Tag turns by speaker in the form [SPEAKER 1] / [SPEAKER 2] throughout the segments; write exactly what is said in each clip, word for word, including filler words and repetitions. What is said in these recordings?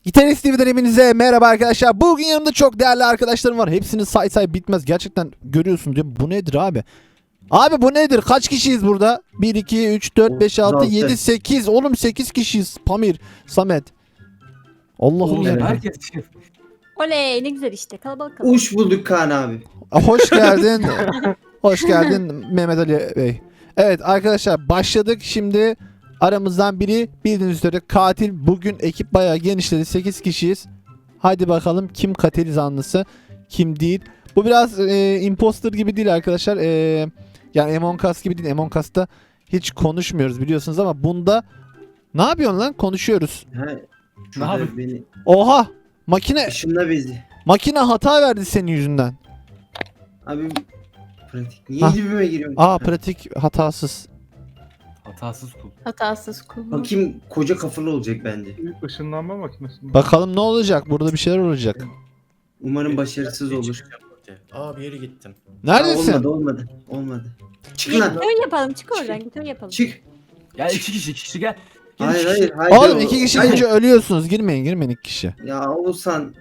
[SPEAKER 1] Gitarist T V'den hepinize merhaba arkadaşlar. Bugün yanımda çok değerli arkadaşlarım var. Hepsini say say bitmez. Gerçekten görüyorsun diyor. Bu nedir abi? Abi bu nedir? Kaç kişiyiz burada? bir, iki, üç, dört, beş, altı, yedi, sekiz. Oğlum sekiz kişiyiz. Pamir, Samet. Allah'ım
[SPEAKER 2] Oğlum
[SPEAKER 1] ya.
[SPEAKER 2] herkes
[SPEAKER 3] Oley ne güzel işte kalabalık kalabalık.
[SPEAKER 4] Uş bulduk Kaan abi.
[SPEAKER 1] Hoş geldin. Hoş geldin Mehmet Ali Bey. Evet arkadaşlar başladık. Şimdi aramızdan biri bildiğiniz üzere katil. Bugün ekip bayağı genişledi. sekiz kişiyiz. Hadi bakalım kim katil zanlısı kim değil. Bu biraz e, imposter gibi değil arkadaşlar. E, yani Among Us gibi değil. Among Us'ta hiç konuşmuyoruz biliyorsunuz ama bunda ne yapıyorsun lan? Konuşuyoruz.
[SPEAKER 4] Ha,
[SPEAKER 2] Ne
[SPEAKER 4] şurada
[SPEAKER 2] yapayım?
[SPEAKER 4] beni
[SPEAKER 1] Oha! Makine
[SPEAKER 4] ışınla bizi.
[SPEAKER 1] makine hata verdi senin yüzünden.
[SPEAKER 4] Abi pratik. Niye
[SPEAKER 1] Ah.
[SPEAKER 4] dibime giriyorsun?
[SPEAKER 1] Aa pratik hatasız.
[SPEAKER 2] hatasız kul.
[SPEAKER 3] Hatasız kul.
[SPEAKER 4] Bakayım koca kafalı olacak bence.
[SPEAKER 5] Işınlanma makinesi mi?
[SPEAKER 1] Bakalım ne olacak? Burada bir şeyler olacak.
[SPEAKER 4] Umarım başarısız olur.
[SPEAKER 6] Aa bir yere gittim.
[SPEAKER 4] Ha,
[SPEAKER 1] Neredesin?
[SPEAKER 4] olmadı olmadı. Olmadı. Çık lan.
[SPEAKER 3] Gitör yapalım çık oradan gitör yapalım.
[SPEAKER 4] Çık.
[SPEAKER 2] Gel iki kişi iki kişi gel. Gel
[SPEAKER 4] Hayır
[SPEAKER 2] iki
[SPEAKER 4] hayır
[SPEAKER 2] kişi.
[SPEAKER 4] hayır.
[SPEAKER 1] Oğlum iki kişi
[SPEAKER 4] Hayır.
[SPEAKER 1] önce ölüyorsunuz. Girmeyin girmeyin iki kişi.
[SPEAKER 4] Ya Oğuzhan.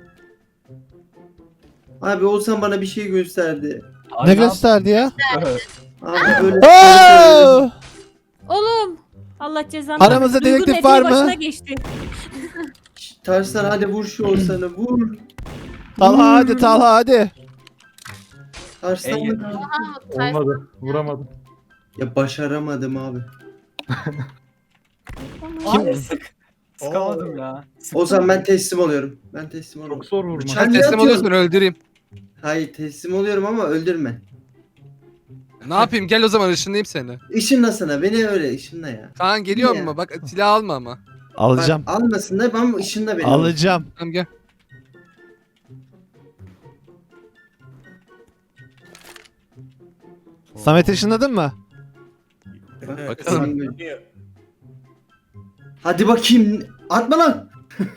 [SPEAKER 4] Abi Oğuzhan bana bir şey gösterdi.
[SPEAKER 2] Ay,
[SPEAKER 1] Ne
[SPEAKER 2] yap-
[SPEAKER 1] gösterdi ya?
[SPEAKER 4] Abi böyle.
[SPEAKER 1] Oo!
[SPEAKER 3] Oğlum. Allah cezanı.
[SPEAKER 1] Aramızda
[SPEAKER 3] Duygu
[SPEAKER 1] dedektif
[SPEAKER 3] eteği
[SPEAKER 1] var mı?
[SPEAKER 3] başına geçti.
[SPEAKER 4] Tarslan hadi vur şu Oğuzhan'ı vur.
[SPEAKER 1] Talha hadi Talha hadi.
[SPEAKER 4] Tarslan.
[SPEAKER 2] En-
[SPEAKER 5] Olmadı. Vuramadım.
[SPEAKER 4] Ya başaramadım abi.
[SPEAKER 1] Kim?
[SPEAKER 2] Ay, sık. Sıkamadım ya.
[SPEAKER 4] Oğuzhan ben teslim oluyorum. Ben teslim oluyorum.
[SPEAKER 5] Çok zor vurma.
[SPEAKER 4] Bıçak-
[SPEAKER 7] Sen
[SPEAKER 4] Ne
[SPEAKER 7] teslim
[SPEAKER 4] yapıyorsun?
[SPEAKER 7] oluyorsun öldüreyim.
[SPEAKER 4] Hayır teslim oluyorum ama öldürme.
[SPEAKER 7] Ne yapayım gel o zaman ışınlayayım seni.
[SPEAKER 4] Işınlasana beni öyle ışınla ya.
[SPEAKER 7] Kaan geliyor
[SPEAKER 4] Ya.
[SPEAKER 7] mu? Bak silah alma ama.
[SPEAKER 1] Alacağım.
[SPEAKER 4] Bak, almasın da ben ışınla beni.
[SPEAKER 1] Alacağım.
[SPEAKER 7] Tamam gel.
[SPEAKER 1] Samet ışınladın mı?
[SPEAKER 4] Bak,
[SPEAKER 7] Bakalım.
[SPEAKER 4] sen- Hadi bakayım. Atma lan.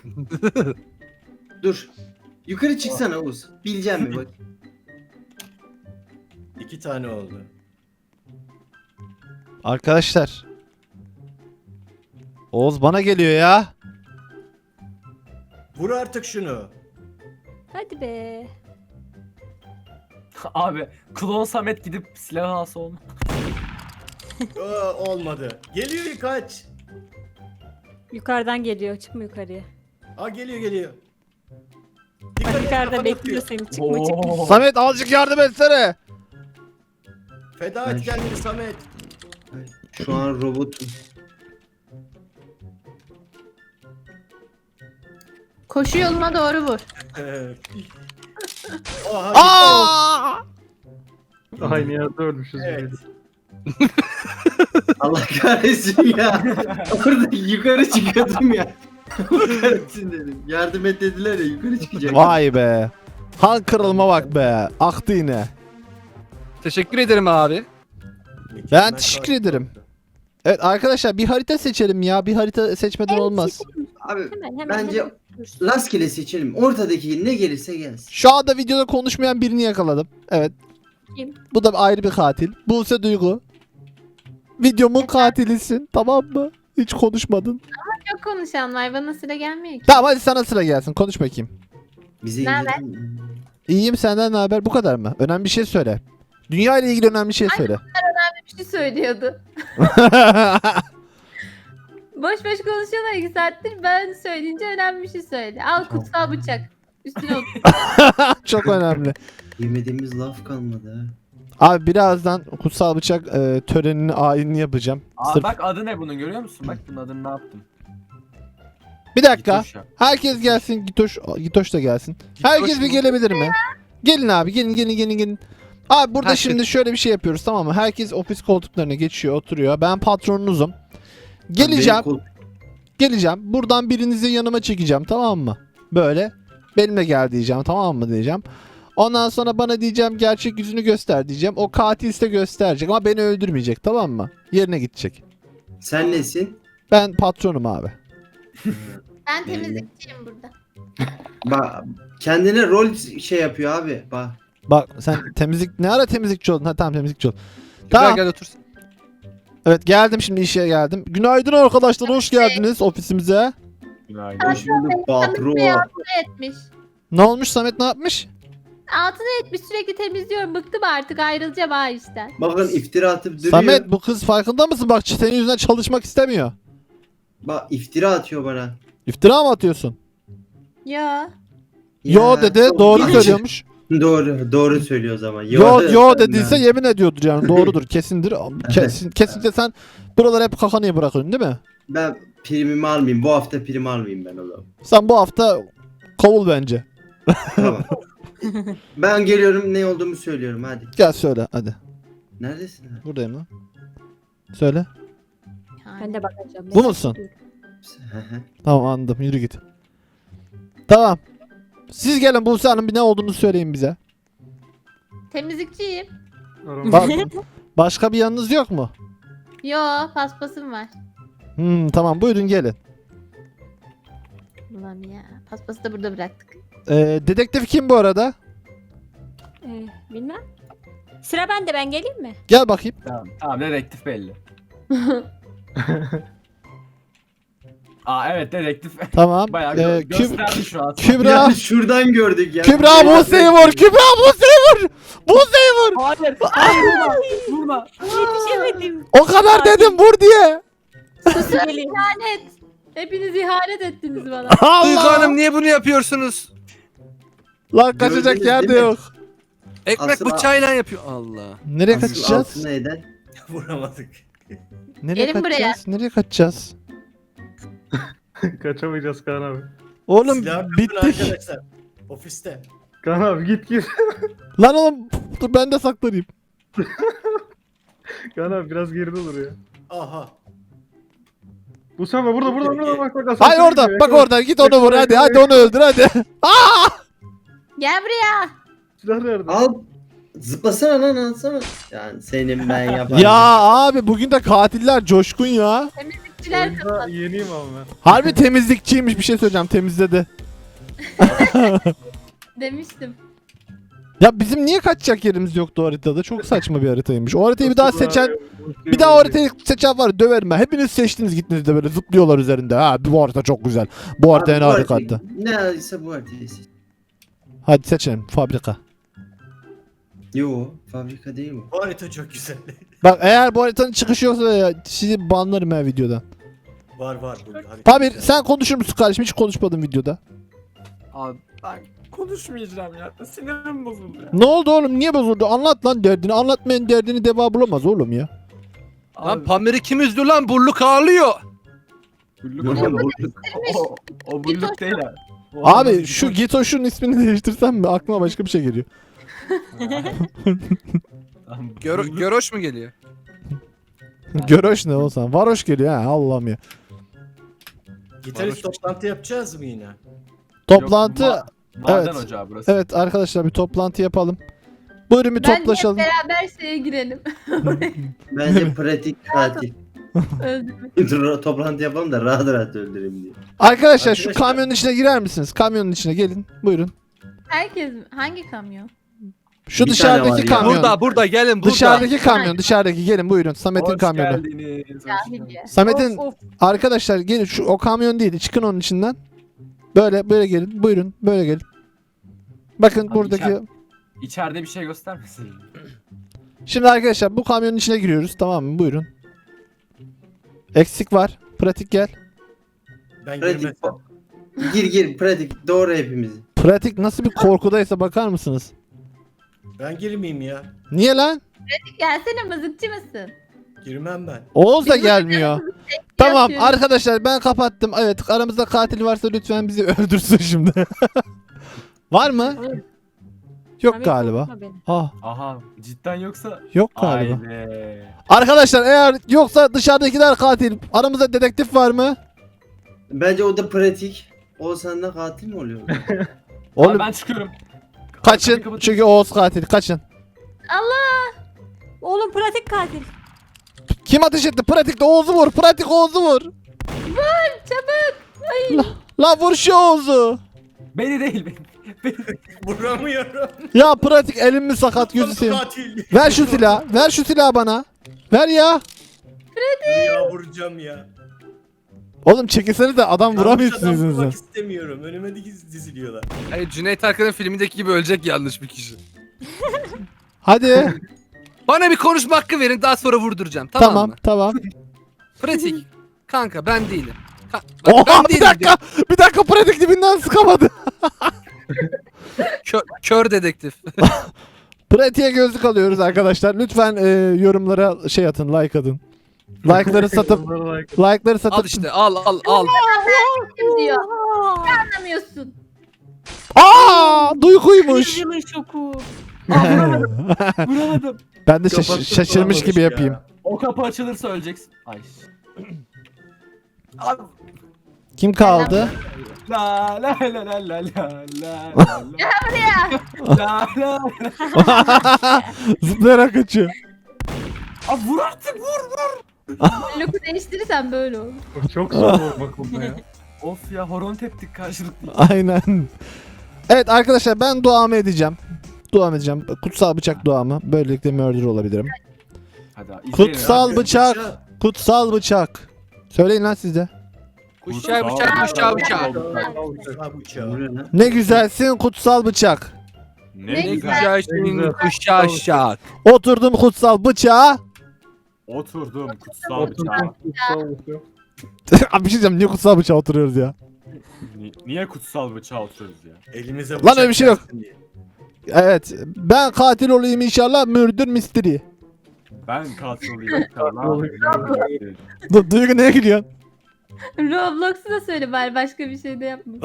[SPEAKER 4] Dur. Yukarı çıksana Oğuz. Bileceğim mi bak.
[SPEAKER 6] İki tane oldu.
[SPEAKER 1] Arkadaşlar. Oğuz bana geliyor ya.
[SPEAKER 6] Vur artık şunu.
[SPEAKER 3] Hadi be.
[SPEAKER 2] Abi klon Samet gidip silah alsa onu.
[SPEAKER 6] Aa, olmadı. Geliyor kaç.
[SPEAKER 3] Yukarıdan geliyor çıkma yukarıya.
[SPEAKER 6] Aa geliyor geliyor.
[SPEAKER 3] Bak
[SPEAKER 6] Dikkat et,
[SPEAKER 3] yukarıda
[SPEAKER 6] kafa
[SPEAKER 3] bekliyor
[SPEAKER 6] atıyor.
[SPEAKER 3] seni çıkma çıkma.
[SPEAKER 2] Oo.
[SPEAKER 1] Samet azıcık yardım etsene.
[SPEAKER 6] Feda
[SPEAKER 4] Ben
[SPEAKER 6] et
[SPEAKER 4] şu-
[SPEAKER 6] kendini Samet.
[SPEAKER 4] Şu an robotum.
[SPEAKER 8] Koşu yoluna doğru vur.
[SPEAKER 6] Oha,
[SPEAKER 1] Aa!
[SPEAKER 5] Aynı yerde ölmüşüz.
[SPEAKER 6] Evet.
[SPEAKER 4] Allah kahretsin ya. Orada yukarı çıkıyordum ya. Allah kahretsin dedim. Yardım et dediler ya yukarı çıkacak.
[SPEAKER 1] Vay be. Han kırılma bak be. Aktı yine.
[SPEAKER 7] Teşekkür ederim abi.
[SPEAKER 1] Ben teşekkür ederim. Evet arkadaşlar bir harita seçelim ya. Bir harita seçmeden olmaz.
[SPEAKER 4] Abi
[SPEAKER 3] Hemen hemen.
[SPEAKER 4] bence
[SPEAKER 3] hemen.
[SPEAKER 4] rastgele seçelim. Ortadaki ne gelirse gelsin.
[SPEAKER 1] Şu anda videoda konuşmayan birini yakaladım. Evet.
[SPEAKER 3] Kim?
[SPEAKER 1] Bu da ayrı bir katil. Buse Duygu. Videomun katilisin. Tamam mı? Hiç konuşmadın.
[SPEAKER 8] Çok konuşan var bana sıra gelmiyor ki.
[SPEAKER 1] Tamam hadi sana sıra gelsin. Konuş bakayım.
[SPEAKER 4] Bize
[SPEAKER 8] Ne haber?
[SPEAKER 4] indirdin mi?
[SPEAKER 1] İyiyim senden ne haber? Bu kadar mı? Önemli bir şey söyle. Dünya ile ilgili önemli bir şey söyle.
[SPEAKER 8] Bir şey söylüyordu. Boş boş konuşuyorlar iki saattir ben söyleyince önemli bir şey söyle. Al kutsal bıçak. Üstüne otur.
[SPEAKER 1] Çok önemli.
[SPEAKER 4] Yemediğimiz laf kalmadı ha.
[SPEAKER 1] Abi birazdan kutsal bıçak e, törenini ayinini yapacağım.
[SPEAKER 2] Aa,
[SPEAKER 1] Sırf-
[SPEAKER 2] bak adı ne bunun görüyor musun? Bak bunun adını ne yaptım.
[SPEAKER 1] Bir dakika.
[SPEAKER 2] Gitoş yap.
[SPEAKER 1] Herkes gelsin. Gitoş, Gitoş da gelsin. Herkes bir
[SPEAKER 7] mu?
[SPEAKER 1] gelebilir mi? Gelin abi gelin gelin gelin gelin. Abi burada
[SPEAKER 7] Herkes-
[SPEAKER 1] şimdi şöyle bir şey yapıyoruz tamam mı? Herkes ofis koltuklarına geçiyor oturuyor. Ben patronunuzum. Geleceğim.
[SPEAKER 4] Benim kol-
[SPEAKER 1] Geleceğim. Buradan birinizi yanıma çekeceğim tamam mı? Böyle. Benimle gel diyeceğim tamam mı diyeceğim. Ondan sonra bana diyeceğim gerçek yüzünü göster diyeceğim. O katilse gösterecek ama beni öldürmeyecek tamam mı? Yerine gidecek.
[SPEAKER 4] Sen nesin?
[SPEAKER 1] Ben patronum abi.
[SPEAKER 8] Ben temizlikçiyim burada.
[SPEAKER 4] Bak kendine rol şey yapıyor abi. Bak.
[SPEAKER 1] Bak sen temizlik ne ara temizlikçi oldun? Ha tamam temizlikçi oldun.
[SPEAKER 7] Güzel
[SPEAKER 1] Tamam.
[SPEAKER 7] gel otur.
[SPEAKER 1] Evet geldim şimdi işe geldim. Günaydın arkadaşlar hoş geldiniz ofisimize.
[SPEAKER 2] Günaydın.
[SPEAKER 4] Hoş bulduk patron.
[SPEAKER 8] Etmiş.
[SPEAKER 1] Ne olmuş Samet, ne yapmış?
[SPEAKER 8] Altına etmiş, sürekli temizliyorum. Bıktım artık, ayrılacağım ha işten.
[SPEAKER 4] Bakın iftira atıp duruyor.
[SPEAKER 1] Samet, bu kız farkında mısın? Bak senin yüzünden çalışmak istemiyor.
[SPEAKER 4] Bak iftira atıyor bana.
[SPEAKER 1] İftira mı atıyorsun?
[SPEAKER 8] Ya.
[SPEAKER 1] Yo
[SPEAKER 4] Ya,
[SPEAKER 1] dedi,
[SPEAKER 4] çok
[SPEAKER 1] doğru
[SPEAKER 4] iyi.
[SPEAKER 1] söylüyormuş.
[SPEAKER 4] Doğru, doğru söylüyor o zaman.
[SPEAKER 1] Yo yo
[SPEAKER 4] dedi.
[SPEAKER 1] dediyse yemin ediyordur yani, doğrudur, kesindir. Kesin, kesinlikle sen buraları hep kafanı bırakıyorsun değil mi?
[SPEAKER 4] Ben primimi almayayım. Bu hafta prim almayayım ben o zaman.
[SPEAKER 1] Sen bu hafta kovul bence.
[SPEAKER 4] Tamam. Ben geliyorum, ne olduğumu söylüyorum hadi.
[SPEAKER 1] Gel söyle hadi.
[SPEAKER 4] Neredesin? abi?
[SPEAKER 1] Buradayım lan. Söyle.
[SPEAKER 3] Ben de bakacağım.
[SPEAKER 1] Bu musun? Tamam anladım, yürü git. Tamam. Siz gelin Buse Hanım, bir ne olduğunu söyleyin bize.
[SPEAKER 8] Temizlikçiyim.
[SPEAKER 1] Bak, başka bir yanınız yok mu?
[SPEAKER 8] Yo, paspasım var.
[SPEAKER 1] Hmm, tamam buyurun gelin.
[SPEAKER 8] Ulan ya, paspası da burada bıraktık.
[SPEAKER 1] Ee, dedektif kim bu arada?
[SPEAKER 3] Ee, bilmem. Sıra bende, ben geleyim mi?
[SPEAKER 1] Gel bakayım.
[SPEAKER 2] Tamam, tamam dedektif belli. Aa evet dedektif.
[SPEAKER 1] Tamam.
[SPEAKER 2] Bayağı
[SPEAKER 1] Ee,
[SPEAKER 2] gö-
[SPEAKER 1] Küb-
[SPEAKER 2] gösterdi şu an.
[SPEAKER 1] Kübra.
[SPEAKER 4] Ya şuradan gördük ya.
[SPEAKER 1] Kübra Buse'yi vur. Kübra Buse'yi vur. Buse'yi vur.
[SPEAKER 2] Hayır, hayır vurma, vurma.
[SPEAKER 3] Yetişemedim.
[SPEAKER 1] O kadar dedim vur diye.
[SPEAKER 8] Susun,
[SPEAKER 3] Geleyim.
[SPEAKER 8] ihanet. Hepiniz ihanet ettiniz bana.
[SPEAKER 7] Duygu
[SPEAKER 1] Allah.
[SPEAKER 7] Hanım niye bunu yapıyorsunuz?
[SPEAKER 1] Lan kaçacak
[SPEAKER 4] Gördünüz
[SPEAKER 1] yer de
[SPEAKER 4] değil mi?
[SPEAKER 1] yok.
[SPEAKER 7] Ekmek
[SPEAKER 4] Aslında-
[SPEAKER 7] bıçağıyla yapıyor. Allah.
[SPEAKER 1] Nereye
[SPEAKER 4] Asıl
[SPEAKER 1] kaçacağız?
[SPEAKER 4] altına eden.
[SPEAKER 6] Vuramadık.
[SPEAKER 1] Nereye
[SPEAKER 8] Gelin buraya.
[SPEAKER 1] kaçacağız? Nereye kaçacağız?
[SPEAKER 5] Kaçamayacağız Kaan abi.
[SPEAKER 1] Oğlum
[SPEAKER 6] Silah
[SPEAKER 1] bittik.
[SPEAKER 6] arkadaşlar. Ofiste.
[SPEAKER 5] Kaan abi git git.
[SPEAKER 1] Lan oğlum dur ben de saklanayım.
[SPEAKER 5] Kaan abi biraz geride dur ya.
[SPEAKER 6] Aha.
[SPEAKER 5] Bu sefer burada burada burada bak bak.
[SPEAKER 1] Hayır orada. Bak orada. Git onu vur hadi. Hadi onu öldür hadi.
[SPEAKER 8] Gel buraya.
[SPEAKER 5] Silah nerede?
[SPEAKER 4] Al. Zıplasana lan alsana. Yani senin ben yaparım.
[SPEAKER 1] Ya abi bugün de katiller coşkun ya.
[SPEAKER 8] Temizlikçiler
[SPEAKER 5] Oyunda
[SPEAKER 8] kapat.
[SPEAKER 5] yeniyim ama ben.
[SPEAKER 1] Harbi temizlikçiymiş, bir şey söyleyeceğim, temizledi.
[SPEAKER 8] Demiştim.
[SPEAKER 1] Ya bizim niye kaçacak yerimiz yoktu o haritada? Çok saçma bir haritaymış. O haritayı bir daha seçen, bir daha o haritayı seçen var döverim ben. Hepiniz seçtiniz gittiniz de böyle zıplıyorlar üzerinde. Ha bu harita çok güzel. Bu harita en
[SPEAKER 4] Abi, bu
[SPEAKER 1] harika
[SPEAKER 4] haritayı-
[SPEAKER 1] harita.
[SPEAKER 4] Ne ise bu haritayı seç.
[SPEAKER 1] Hadi seçelim fabrika.
[SPEAKER 4] Yo fabrika değil bu.
[SPEAKER 6] Bu harita çok güzel.
[SPEAKER 1] Bak eğer bu haritanın çıkışı yoksa ya, sizi banlarım ha videodan.
[SPEAKER 6] var var bu harita.
[SPEAKER 1] Pamir sen konuşur musun kardeşim? Hiç konuşmadın videoda.
[SPEAKER 2] Abi ben konuşmayacağım ya. Sinirim bozuldu ya.
[SPEAKER 1] Ne oldu oğlum? Niye bozuldu? Anlat lan derdini. Anlatmayan derdini deva bulamaz oğlum ya.
[SPEAKER 7] Lan
[SPEAKER 2] Abi,
[SPEAKER 7] Pamir'i kim üzdü lan? Burluk ağlıyor.
[SPEAKER 2] bulluk
[SPEAKER 4] Yok,
[SPEAKER 2] oğlum.
[SPEAKER 4] bu-
[SPEAKER 2] O, o bulluk değil abi. O
[SPEAKER 1] Abi
[SPEAKER 2] adam-
[SPEAKER 1] şu Gitoş'un ismini değiştirsem mi? Aklıma başka bir şey geliyor.
[SPEAKER 2] Tamam,
[SPEAKER 7] Gör,
[SPEAKER 2] bulluk-
[SPEAKER 7] Göroş mu geliyor?
[SPEAKER 1] Göroş ne olsan? Varoş geliyor ha Allah'ım ya.
[SPEAKER 6] Gitarist toplantı yapacağız mı yine?
[SPEAKER 1] Toplantı.
[SPEAKER 2] Yok, ma- maden
[SPEAKER 1] evet.
[SPEAKER 2] ocağı burası.
[SPEAKER 1] Evet arkadaşlar bir toplantı yapalım. Buyurun bir
[SPEAKER 8] Bence
[SPEAKER 1] toplaşalım.
[SPEAKER 8] hep beraber şeye girelim.
[SPEAKER 4] Bence pratik katil.
[SPEAKER 8] Öldürmek.
[SPEAKER 4] Dur, toplantı yapalım da rahat rahat öldüreyim diye.
[SPEAKER 1] Arkadaşlar şu
[SPEAKER 6] Arkadaşlar-
[SPEAKER 1] kamyonun içine girer misiniz? Kamyonun içine gelin. Buyurun.
[SPEAKER 8] Herkes mi? Hangi kamyon?
[SPEAKER 1] Şu
[SPEAKER 4] Bir
[SPEAKER 1] dışarıdaki
[SPEAKER 4] tane var ya.
[SPEAKER 1] kamyon.
[SPEAKER 7] Burada burada gelin burada.
[SPEAKER 1] Dışarıdaki kamyon, dışarıdaki gelin buyurun. Samet'in
[SPEAKER 2] Hoş
[SPEAKER 1] kamyonu.
[SPEAKER 2] geldiniz. hoş
[SPEAKER 8] Cahil
[SPEAKER 2] geldiniz.
[SPEAKER 8] ya.
[SPEAKER 1] Samet'in
[SPEAKER 3] Of, of.
[SPEAKER 1] arkadaşlar gelin şu o kamyon değil. Çıkın onun içinden. Böyle böyle gelin. Buyurun böyle gelin. Bakın
[SPEAKER 2] Abi
[SPEAKER 1] buradaki.
[SPEAKER 2] içer- İçeride bir şey göstermesin.
[SPEAKER 1] Şimdi arkadaşlar bu kamyonun içine giriyoruz tamam mı? Buyurun. Eksik var. Pratik gel.
[SPEAKER 6] Ben
[SPEAKER 4] Pratik.
[SPEAKER 6] girmesem.
[SPEAKER 4] Gir gir pratik doğru hepimizi.
[SPEAKER 1] Pratik nasıl bir korkudaysa bakar mısınız?
[SPEAKER 6] Ben girmeyeyim ya.
[SPEAKER 1] Niye lan?
[SPEAKER 8] Gelsene, mızıkçı mısın?
[SPEAKER 6] Girmem ben.
[SPEAKER 1] Oğuz da gelmiyor. Tamam
[SPEAKER 8] Yapıyorum.
[SPEAKER 1] arkadaşlar ben kapattım. Evet aramızda katil varsa lütfen bizi öldürsün şimdi. Var mı? Yok
[SPEAKER 3] Samet,
[SPEAKER 1] galiba.
[SPEAKER 3] korkutma beni.
[SPEAKER 1] Ah
[SPEAKER 2] Aha cidden yoksa
[SPEAKER 1] yok galiba.
[SPEAKER 2] aile.
[SPEAKER 1] Arkadaşlar eğer yoksa dışarıdakiler katil. Aramızda dedektif var mı?
[SPEAKER 4] Bence o da pratik. O sende katil mi oluyor?
[SPEAKER 1] Oğlum
[SPEAKER 2] Abi ben çıkıyorum.
[SPEAKER 1] kaçın
[SPEAKER 2] Kapıyı kapatın.
[SPEAKER 1] çünkü Oğuz katil. Kaçın.
[SPEAKER 3] Oğlum pratik katil.
[SPEAKER 1] Kim ateş etti? Pratikte Oğuz'u vur. Pratik Oğuz'u vur.
[SPEAKER 8] Çabuk. Ay.
[SPEAKER 1] La vur şu Oğuz'u.
[SPEAKER 2] Beni değil beni. beni.
[SPEAKER 6] Vuramıyorum.
[SPEAKER 1] Ya pratik elim mi sakat gözü seveyim.
[SPEAKER 6] Katil.
[SPEAKER 1] Ver şu silahı. Ver şu silahı bana. Ver ya.
[SPEAKER 6] Ya vuracağım ya.
[SPEAKER 1] Oğlum çekilsene de adam
[SPEAKER 6] Yanlış
[SPEAKER 1] vuramıyorsunuz
[SPEAKER 6] adam
[SPEAKER 1] yüzünüzden.
[SPEAKER 6] vurmak istemiyorum. Önüme diz- diziliyorlar.
[SPEAKER 7] Hayır, Cüneyt Arkın'ın filmindeki gibi ölecek yanlış bir kişi.
[SPEAKER 1] Hadi.
[SPEAKER 7] Bana bir konuşma hakkı verin, daha sonra vurduracağım. Tamam,
[SPEAKER 1] tamam
[SPEAKER 7] mı?
[SPEAKER 1] tamam.
[SPEAKER 7] Pratik. Kanka ben değilim. Ka- Bak,
[SPEAKER 1] Oha
[SPEAKER 7] ben
[SPEAKER 1] bir
[SPEAKER 7] değilim
[SPEAKER 1] dakika. Bir dakika pratik dibinden sıkamadı.
[SPEAKER 7] diyorum. Kö- kör dedektif.
[SPEAKER 1] Pratiğe gözlük alıyoruz arkadaşlar. Lütfen e, yorumlara şey atın, like atın. Like'ları satıp
[SPEAKER 5] Onlara like.
[SPEAKER 1] like'ları satıp
[SPEAKER 7] Al işte, al al al.
[SPEAKER 8] Kim diyor? Anlamıyorsun.
[SPEAKER 1] Aa, duyguymuş.
[SPEAKER 3] Yılın şoku.
[SPEAKER 2] Vuramadım.
[SPEAKER 1] Ben de şaş-
[SPEAKER 6] Kapattı,
[SPEAKER 1] şaşırmış
[SPEAKER 6] vuramamış
[SPEAKER 1] gibi
[SPEAKER 6] ya.
[SPEAKER 1] yapayım.
[SPEAKER 2] O kapı açılırsa öleceksin. Ay. Abi.
[SPEAKER 1] Kim kaldı?
[SPEAKER 2] La la la la la la la la la la la.
[SPEAKER 1] Zıplayarak kaçıyor.
[SPEAKER 2] Abi vur artık vur vur.
[SPEAKER 8] Loku değiştirirsen böyle olur.
[SPEAKER 5] Çok zor olmak bunda ya.
[SPEAKER 2] Of ya horon teptik karşılıklı.
[SPEAKER 1] Aynen. Evet arkadaşlar ben duamı edeceğim. Duam edeceğim. Kutsal bıçak duamı. Böylelikle murder olabilirim.
[SPEAKER 2] Hadi abi, izleyin
[SPEAKER 1] Kutsal
[SPEAKER 2] abi.
[SPEAKER 1] bıçak. Kutsal bıçak. Söyleyin lan siz de.
[SPEAKER 7] Kuşağı bıçak, kuşağı bıçak.
[SPEAKER 6] Ha bıçağı.
[SPEAKER 4] Bu ne lan?
[SPEAKER 1] Ne güzelsin kutsal bıçak.
[SPEAKER 8] Ne
[SPEAKER 7] Ne
[SPEAKER 8] güzel.
[SPEAKER 7] güzel şeyin kuşağı şak.
[SPEAKER 1] Oturdum kutsal bıçağa.
[SPEAKER 2] Oturdum kutsal
[SPEAKER 5] Oturdum,
[SPEAKER 2] bıçağa.
[SPEAKER 5] kutsal bıçağı.
[SPEAKER 1] Abi bir şey diyeceğim. Niye kutsal bıçağa oturuyoruz ya?
[SPEAKER 2] Ni- Niye kutsal bıçağa oturuyoruz ya?
[SPEAKER 6] Elimize
[SPEAKER 1] Lan öyle bir şey yok.
[SPEAKER 6] gelsin diye.
[SPEAKER 1] Evet. Ben katil olayım inşallah. Murder mystery.
[SPEAKER 2] Ben katil olayım inşallah.
[SPEAKER 1] Du Duygu neye gülüyorsun?
[SPEAKER 8] Roblox'u da söyle bari başka bir şey de yapma.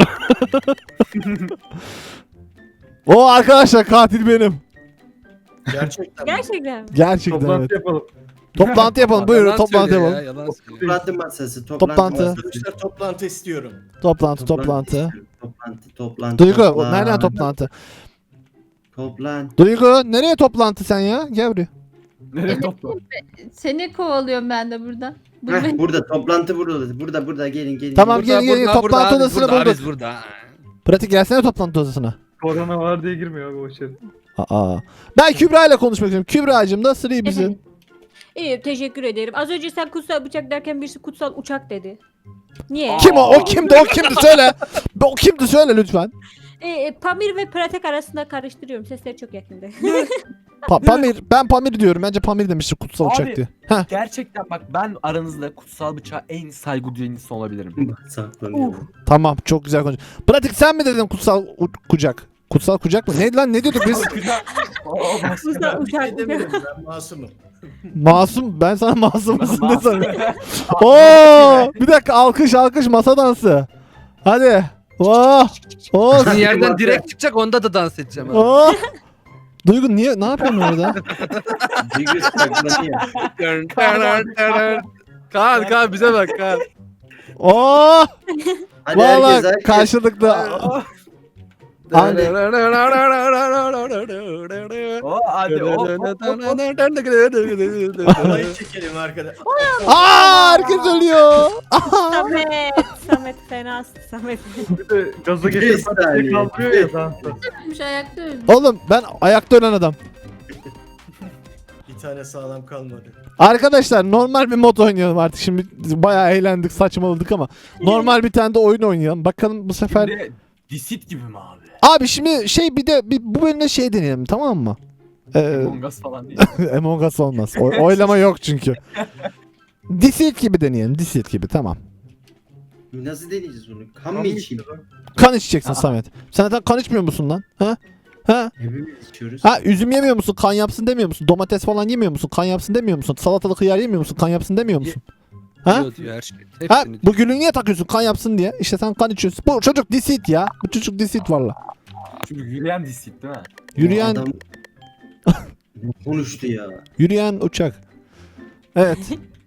[SPEAKER 1] O arkadaşlar katil benim.
[SPEAKER 6] Gerçekten.
[SPEAKER 3] Gerçekten mi?
[SPEAKER 1] Gerçekten
[SPEAKER 5] Toplantı
[SPEAKER 1] evet.
[SPEAKER 5] yapalım.
[SPEAKER 1] Toplantı yapalım. Buyurun
[SPEAKER 7] Yalan
[SPEAKER 1] toplantı
[SPEAKER 7] söylüyor
[SPEAKER 1] yapalım.
[SPEAKER 7] ya, yalan söylüyor.
[SPEAKER 4] Toplantı masası. Toplantı.
[SPEAKER 1] Toplantı.
[SPEAKER 4] masası.
[SPEAKER 6] Arkadaşlar toplantı istiyorum.
[SPEAKER 1] Toplantı toplantı.
[SPEAKER 4] istiyorum. Toplantı. Toplantı.
[SPEAKER 1] Duygu
[SPEAKER 4] toplantı.
[SPEAKER 1] nereden toplantı?
[SPEAKER 4] Toplantı.
[SPEAKER 1] Duygu nereye toplantı sen ya? Gel buraya.
[SPEAKER 2] Nereye topla?
[SPEAKER 8] Seni kovalıyorum ben de buradan. Dur
[SPEAKER 4] Heh,
[SPEAKER 8] beni-
[SPEAKER 4] burada toplantı burada. Burada burada gelin gelin.
[SPEAKER 1] Tamam,
[SPEAKER 4] gelin.
[SPEAKER 1] gelin, gelin. Toplantı
[SPEAKER 7] biz
[SPEAKER 1] odasına
[SPEAKER 7] burada,
[SPEAKER 1] bulduk.
[SPEAKER 7] biz burada.
[SPEAKER 1] Pratik gelsene toplantı odasına.
[SPEAKER 5] Korona var diye girmiyor abi o içeri.
[SPEAKER 1] Aa. Ben Kübra ile konuşmak istiyorum. Kübra'cığım nasıl iyi misin?
[SPEAKER 3] İyi teşekkür ederim. Az önce sen kutsal bıçak derken birisi kutsal uçak dedi. Niye?
[SPEAKER 1] Kim o? O kimdi? O kimdi? Söyle. O kimdi? Söyle lütfen.
[SPEAKER 3] Ee, Pamir ve Pratek arasında karıştırıyorum. Sesleri çok yakında.
[SPEAKER 1] Pa- Pamir. Ben Pamir diyorum. Bence Pamir demiştir kutsal
[SPEAKER 2] Abi.
[SPEAKER 1] uçak diye. Heh.
[SPEAKER 2] Gerçekten bak ben aranızda kutsal bıçağa en saygı duyan insan olabilirim.
[SPEAKER 4] Saklanıyor.
[SPEAKER 1] Tamam. Çok güzel konuş. Pratik sen mi dedin kutsal u- kucak? Kutsal kucak mı? Neydi lan? Ne diyorduk biz?
[SPEAKER 3] Kutsal
[SPEAKER 6] Ben bir şey
[SPEAKER 3] uçak.
[SPEAKER 6] demiyorum. Ben masumum.
[SPEAKER 1] Masum. Ben sana masum musun ne
[SPEAKER 2] Masum.
[SPEAKER 1] sanıyorum? Oo! Bir dakika alkış alkış masa dansı. Hadi. Oh! Oh!
[SPEAKER 7] Sizin yerden direkt çıkacak, onda da dans edeceğim. abi.
[SPEAKER 1] Oh! Duygu niye ne yapıyorsun orada?
[SPEAKER 4] Duygu saklanıyor.
[SPEAKER 7] Kaan Kaan bize bak Kaan.
[SPEAKER 1] Oh!
[SPEAKER 4] Hadi herkes
[SPEAKER 1] Valla
[SPEAKER 4] herkes.
[SPEAKER 1] karşılıklı. Hadi.
[SPEAKER 2] O hadi o.
[SPEAKER 6] Alayı çekelim arkadaş.
[SPEAKER 1] Aa, herkes ölüyor.
[SPEAKER 3] Samet. Samet fenasın Samet.
[SPEAKER 5] Bir de gaza
[SPEAKER 4] Bir
[SPEAKER 5] getirip
[SPEAKER 4] saniye.
[SPEAKER 5] kaldırıyor ya dansa.
[SPEAKER 8] Ölmüş ayakta ölmüş.
[SPEAKER 1] Oğlum ben ayakta ölen adam.
[SPEAKER 6] Bir tane sağlam kalmadı.
[SPEAKER 1] Arkadaşlar normal bir mod oynayalım artık. Şimdi bayağı eğlendik, saçmaladık ama normal bir tane de oyun oynayalım. Bakalım bu sefer.
[SPEAKER 2] Şimdi disit gibi mi abi?
[SPEAKER 1] Abi şimdi şey bir de bir, bu bölümde şey deneyelim tamam mı? Ee,
[SPEAKER 2] Among Us falan değil.
[SPEAKER 1] Among Us olmaz. O- oylama yok çünkü. Deceit gibi deneyelim. Deceit gibi tamam.
[SPEAKER 4] Nasıl deneyeceğiz onu? Kan mı içeyim?
[SPEAKER 1] Kan içeceksin Samet. Sen zaten kan içmiyor musun lan? Ha? Ha?
[SPEAKER 4] Hepimiz içiyoruz.
[SPEAKER 1] Ha üzüm yemiyor musun? Kan yapsın demiyor musun? Domates falan yemiyor musun? Kan yapsın demiyor musun? Salatalık hıyar yemiyor musun? Kan yapsın demiyor musun? Ha?
[SPEAKER 7] Diyor, diyor her şey.
[SPEAKER 1] Ha?
[SPEAKER 7] Hepsini
[SPEAKER 1] Bu gülünü niye takıyorsun? Kan yapsın diye. İşte sen kan içiyorsun. Bu çocuk deceit ya. Bu çocuk deceit valla.
[SPEAKER 2] Çünkü yürüyen disit değil mi?
[SPEAKER 1] Yürüyen
[SPEAKER 4] Adam konuştu ya.
[SPEAKER 1] yürüyen uçak. Evet.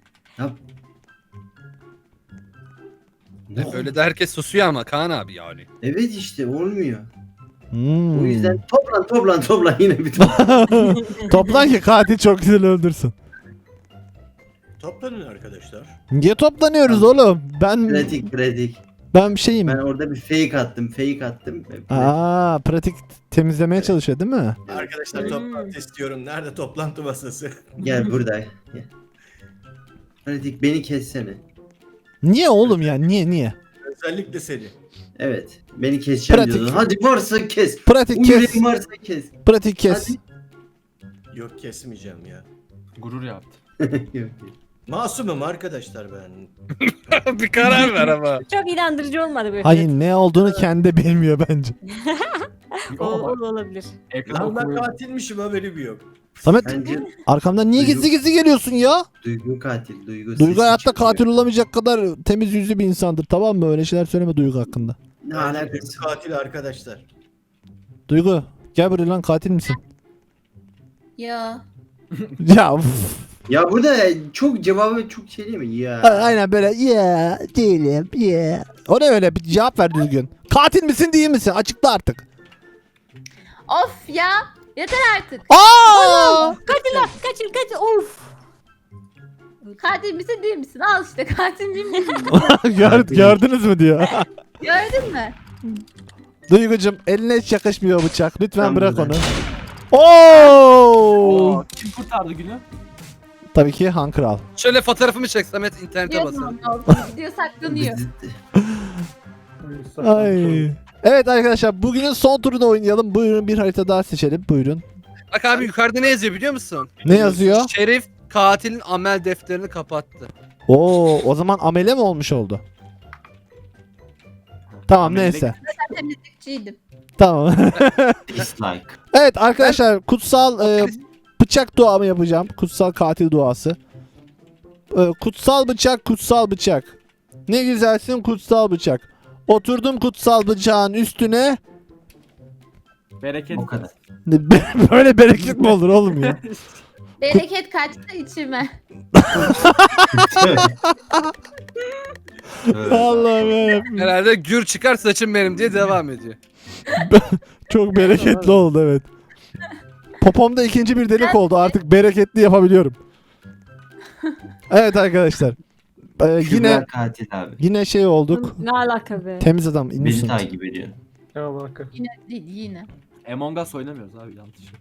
[SPEAKER 4] Ne?
[SPEAKER 7] Öyle de herkes susuyor ama Kaan abi yani.
[SPEAKER 4] Evet işte olmuyor.
[SPEAKER 1] Hmm.
[SPEAKER 4] O yüzden toplan toplan toplan yine bir toplan.
[SPEAKER 1] Toplan ki katil çok güzel öldürsün.
[SPEAKER 6] Toplanın arkadaşlar.
[SPEAKER 1] Niye toplanıyoruz oğlum? Ben
[SPEAKER 4] pratik pratik.
[SPEAKER 1] ben bir şeyim.
[SPEAKER 4] Ben orada bir fake attım fake attım.
[SPEAKER 1] Aa, pratik temizlemeye çalışıyor değil mi?
[SPEAKER 6] Arkadaşlar toplantı istiyorum. Nerede toplantı masası?
[SPEAKER 4] Gel burada. Gel. Pratik beni kessene.
[SPEAKER 1] Niye oğlum ya? Niye niye?
[SPEAKER 6] Özellikle seni.
[SPEAKER 4] Evet. Beni keseceğim
[SPEAKER 1] Pratik.
[SPEAKER 4] diyordun. Hadi varsa kes.
[SPEAKER 1] Pratik kes.
[SPEAKER 4] Umuyorum varsa kes.
[SPEAKER 1] Pratik kes.
[SPEAKER 4] Hadi.
[SPEAKER 6] Yok kesmeyeceğim ya.
[SPEAKER 2] Gurur yaptı.
[SPEAKER 4] Yok.
[SPEAKER 6] Masumum arkadaşlar ben.
[SPEAKER 7] bir karar ver ama.
[SPEAKER 3] Çok inandırıcı olmadı böyle.
[SPEAKER 1] Hayır ne olduğunu kendi de bilmiyor bence.
[SPEAKER 3] O, o da olabilir.
[SPEAKER 2] Ekran
[SPEAKER 6] Lan ben
[SPEAKER 2] okumuyor.
[SPEAKER 6] katilmişim haberim yok.
[SPEAKER 1] Samet
[SPEAKER 4] Bence
[SPEAKER 1] arkamdan niye gizli gizli geliyorsun ya?
[SPEAKER 4] Duygu katil. Duygu,
[SPEAKER 1] Duygu
[SPEAKER 4] sesi
[SPEAKER 1] hayatta
[SPEAKER 4] çıkıyor.
[SPEAKER 1] katil olamayacak kadar temiz yüzlü bir insandır, tamam mı? Öyle şeyler söyleme Duygu hakkında.
[SPEAKER 4] Ne
[SPEAKER 6] Bence
[SPEAKER 4] alakası?
[SPEAKER 6] katil arkadaşlar.
[SPEAKER 1] Duygu gel buraya lan, katil misin?
[SPEAKER 8] Ya.
[SPEAKER 1] Ya uf.
[SPEAKER 4] Ya burada çok cevabı çok şey değil mi? Ya.
[SPEAKER 1] A- Aynen böyle ya değilim ya. O ne öyle, bir cevap ver düzgün. Katil misin değil misin? Açıkla artık.
[SPEAKER 8] Of ya. Yeter artık.
[SPEAKER 1] Aa!
[SPEAKER 3] Kaçın lan kaçın kaçın. Of.
[SPEAKER 8] Katil misin değil misin? Al işte katil miyim değil miyim?
[SPEAKER 1] Gör, gördünüz mü diyor.
[SPEAKER 8] Gördün mü?
[SPEAKER 1] Duygucum eline hiç yakışmıyor bıçak. Lütfen
[SPEAKER 4] Ben
[SPEAKER 1] bırak
[SPEAKER 4] buradan.
[SPEAKER 1] onu. Oo!
[SPEAKER 2] Oo, kim kurtardı günü?
[SPEAKER 1] Tabii ki Han Kral.
[SPEAKER 7] Şöyle fotoğrafımı çek Samet, internete
[SPEAKER 8] Diyorsun
[SPEAKER 7] basalım.
[SPEAKER 8] ama video saklanıyor.
[SPEAKER 1] Ay. Evet arkadaşlar, bugünün son turunu oynayalım. Buyurun bir harita daha seçelim. Buyurun.
[SPEAKER 7] Bak abi yukarıda ne yazıyor biliyor musun?
[SPEAKER 1] Ne yazıyor?
[SPEAKER 7] Şerif katilin amel defterini kapattı.
[SPEAKER 1] Oo, o zaman amele mi olmuş oldu? Tamam
[SPEAKER 2] Amele-
[SPEAKER 1] neyse.
[SPEAKER 8] Ben temizlikçiydim.
[SPEAKER 1] Tamam.
[SPEAKER 4] Dislike.
[SPEAKER 1] Evet arkadaşlar, kutsal e, bıçak duamı yapacağım. Kutsal katil duası. E, kutsal bıçak, kutsal bıçak. Ne güzelsin kutsal bıçak. Oturdum kutsal bıçağın üstüne.
[SPEAKER 2] Bereket.
[SPEAKER 4] O kadar.
[SPEAKER 1] Böyle bereket mi olur oğlum ya?
[SPEAKER 8] Bereket kaçtı içime.
[SPEAKER 1] Allah'ım yarabbim.
[SPEAKER 7] Herhalde gür çıkar saçım benim diye devam ediyor.
[SPEAKER 1] Çok bereketli oldu evet. Popomda ikinci bir delik oldu. Artık bereketli yapabiliyorum. Evet arkadaşlar. Ee,
[SPEAKER 4] Yine
[SPEAKER 1] yine
[SPEAKER 4] katil abi.
[SPEAKER 1] yine şey olduk.
[SPEAKER 3] Ne alaka be.
[SPEAKER 1] Temiz adam
[SPEAKER 4] Beni
[SPEAKER 1] innocent.
[SPEAKER 4] takip ediyor.
[SPEAKER 5] Ya bak.
[SPEAKER 8] Yine değil yine.
[SPEAKER 2] Among Us oynamıyoruz abi, yanlış.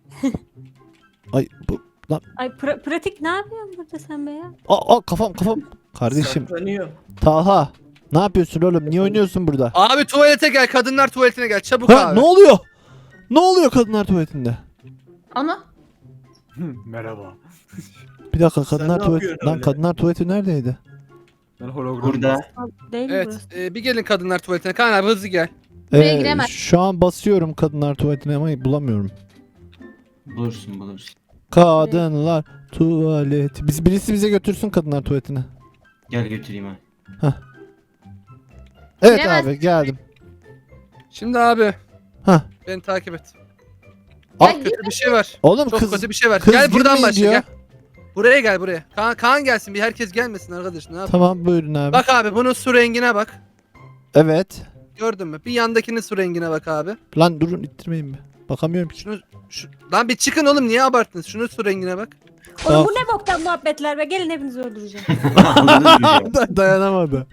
[SPEAKER 1] Ay bu
[SPEAKER 3] Ay pra- pratik ne yapıyorsun burada sen be ya?
[SPEAKER 1] aa, aa, kafam kafam. Kardeşim
[SPEAKER 6] Saklanıyor.
[SPEAKER 1] Talha, ne yapıyorsun oğlum? Niye oynuyorsun burada?
[SPEAKER 7] Abi tuvalete gel, kadınlar tuvaletine gel çabuk
[SPEAKER 1] Ha,
[SPEAKER 7] abi.
[SPEAKER 1] ne oluyor? Ne oluyor kadınlar tuvaletinde?
[SPEAKER 8] Ana.
[SPEAKER 2] Merhaba.
[SPEAKER 1] Bir dakika,
[SPEAKER 6] Sen
[SPEAKER 1] kadınlar
[SPEAKER 6] ne
[SPEAKER 1] tuvalet
[SPEAKER 6] yapıyorsun
[SPEAKER 1] lan
[SPEAKER 6] öyle?
[SPEAKER 1] kadınlar tuvaleti neredeydi?
[SPEAKER 2] Ben hologram.
[SPEAKER 4] Burada.
[SPEAKER 3] Değil mi
[SPEAKER 7] Evet,
[SPEAKER 3] burası?
[SPEAKER 7] e, bir gelin kadınlar tuvaletine. Kaan abi hızlı gel.
[SPEAKER 8] Buraya giremez.
[SPEAKER 1] şu an basıyorum kadınlar tuvaletine ama bulamıyorum.
[SPEAKER 4] Bulursun bulursun.
[SPEAKER 1] Kadınlar tuvaleti. Biz birisi bize götürsün kadınlar tuvaletine.
[SPEAKER 4] Gel götüreyim ha.
[SPEAKER 1] Evet
[SPEAKER 8] Giremez.
[SPEAKER 1] abi geldim.
[SPEAKER 7] Şimdi abi.
[SPEAKER 1] Hah.
[SPEAKER 7] Beni takip et.
[SPEAKER 1] Aa,
[SPEAKER 8] Ya,
[SPEAKER 7] Kötü bir şey var.
[SPEAKER 1] Oğlum
[SPEAKER 7] Çok
[SPEAKER 1] kız
[SPEAKER 7] kötü bir şey var.
[SPEAKER 1] kız
[SPEAKER 7] Gel buradan
[SPEAKER 1] girmeyin
[SPEAKER 7] başla
[SPEAKER 1] diyor.
[SPEAKER 7] gel. Buraya gel buraya. Kaan, Kaan gelsin, bir herkes gelmesin arkadaş. Ne yap?
[SPEAKER 1] Tamam buyurun abi.
[SPEAKER 7] Bak abi bunun su rengine bak.
[SPEAKER 1] Evet.
[SPEAKER 7] Gördün mü? Bir yandakinin su rengine bak abi.
[SPEAKER 1] Lan durun ittirmeyin mi? Bakamıyorum ki.
[SPEAKER 7] Şunu şu lan bir çıkın oğlum, niye abarttınız? Şunun su rengine bak.
[SPEAKER 3] Oğlum
[SPEAKER 1] Aa.
[SPEAKER 3] bu ne boktan muhabbetler be. Gelin hepinizi öldüreceğim.
[SPEAKER 1] Dayanamadı.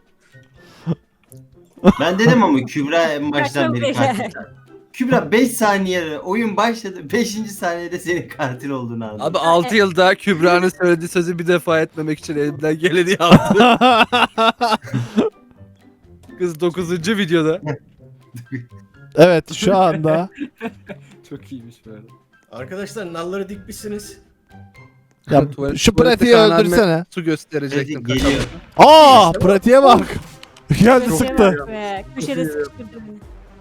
[SPEAKER 4] Ben dedim ama Kübra en baştan
[SPEAKER 3] Çok
[SPEAKER 4] beri
[SPEAKER 3] güzel.
[SPEAKER 4] katil. Kübra beş saniye oyun başladı. beşinci saniyede senin katil olduğunu anladım.
[SPEAKER 7] Abi altı yılda Kübra'nın söylediği sözü bir defa etmemek için elimden geleni yaptı. Kız dokuzuncu videoda.
[SPEAKER 1] Evet şu anda.
[SPEAKER 2] Çok iyiymiş böyle.
[SPEAKER 6] Arkadaşlar nalları dikmişsiniz.
[SPEAKER 1] Ya,
[SPEAKER 7] Tuvalet-
[SPEAKER 1] şu
[SPEAKER 7] tuvalette
[SPEAKER 1] pratiği
[SPEAKER 7] Kaan abime
[SPEAKER 1] öldürsene.
[SPEAKER 7] Su gösterecektim.
[SPEAKER 4] Pratik geliyor.
[SPEAKER 1] Aa pratiğe bak. Geldi
[SPEAKER 3] Köşeye
[SPEAKER 1] sıktı.
[SPEAKER 3] bak be. Köşede sıkıştırdı beni.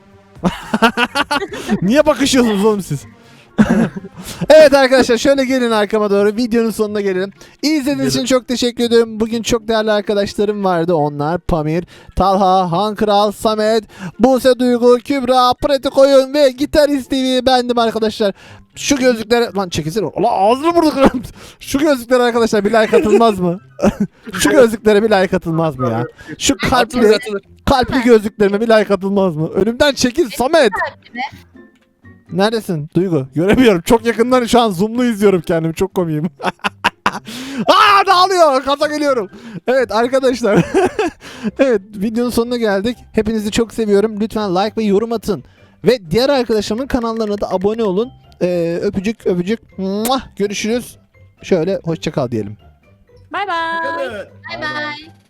[SPEAKER 1] Niye bakışıyorsunuz oğlum siz? Evet arkadaşlar şöyle gelin arkama doğru, videonun sonuna gelelim. İzlediğiniz için çok teşekkür ediyorum. Bugün çok değerli arkadaşlarım vardı. Onlar Pamir, Talha, Han Kral, Samet, Buse Duygu, Kübra, Pratik Oyun ve Gitarist T V bendim arkadaşlar. Şu gözlüklere lan çekilsene. Allah ağzını vurduk. Şu gözlüklere arkadaşlar bir like atılmaz mı? Şu gözlüklere bir like atılmaz mı ya? Şu
[SPEAKER 7] Atılır
[SPEAKER 1] kalpli
[SPEAKER 7] atılır.
[SPEAKER 1] kalpli gözlüklerime bir like atılmaz mı? Önümden çekil Samet. Neredesin Duygu? Göremiyorum. Çok yakından şu an zoomlu izliyorum kendimi. Çok komiyim. Aa dağılıyor. Kaza geliyorum. Evet arkadaşlar. Evet videonun sonuna geldik. Hepinizi çok seviyorum. Lütfen like ve yorum atın. Ve diğer arkadaşlarımın kanallarına da abone olun. Ee, öpücük öpücük. Muah! Görüşürüz. Şöyle hoşça kal diyelim.
[SPEAKER 3] Bay bay.
[SPEAKER 6] Evet.
[SPEAKER 8] Bay bay.